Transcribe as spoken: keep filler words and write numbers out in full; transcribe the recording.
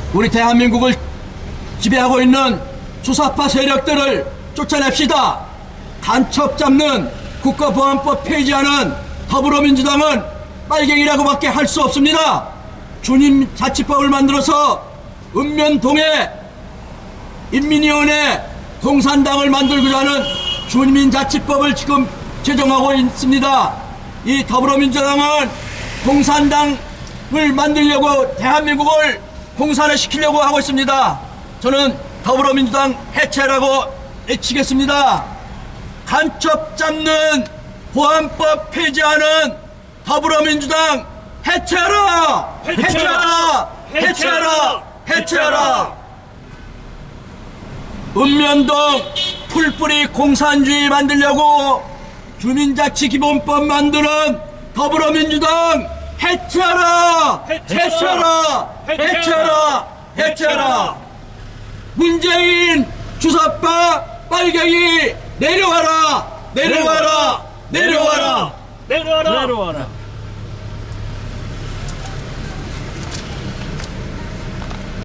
우리 대한민국을 지배하고 있는 주사파 세력들을 쫓아냅시다. 간첩 잡는 국가보안법 폐지하는 더불어민주당은 빨갱이라고밖에 할 수 없습니다. 주민자치법을 만들어서 읍면동에 인민위원회 공산당을 만들고자 하는 주민자치법을 지금 제정하고 있습니다. 이 더불어민주당은 공산당을 만들려고 대한민국을 공산을 시키려고 하고 있습니다. 저는 더불어민주당 해체라고 외치겠습니다. 간첩 잡는 보안법 폐지하는 더불어민주당 해체하라! 해체하라! 해체하라! 해체하라! 읍면동 풀뿌리 공산주의 만들려고 주민자치기본법 만드는 더불어민주당 해체하라! 해체하라! 해체하라! 해체하라! 문재인 주사파 빨갱이 내려와라! 내려와라! 내려와라! 내려와라! 내려와라!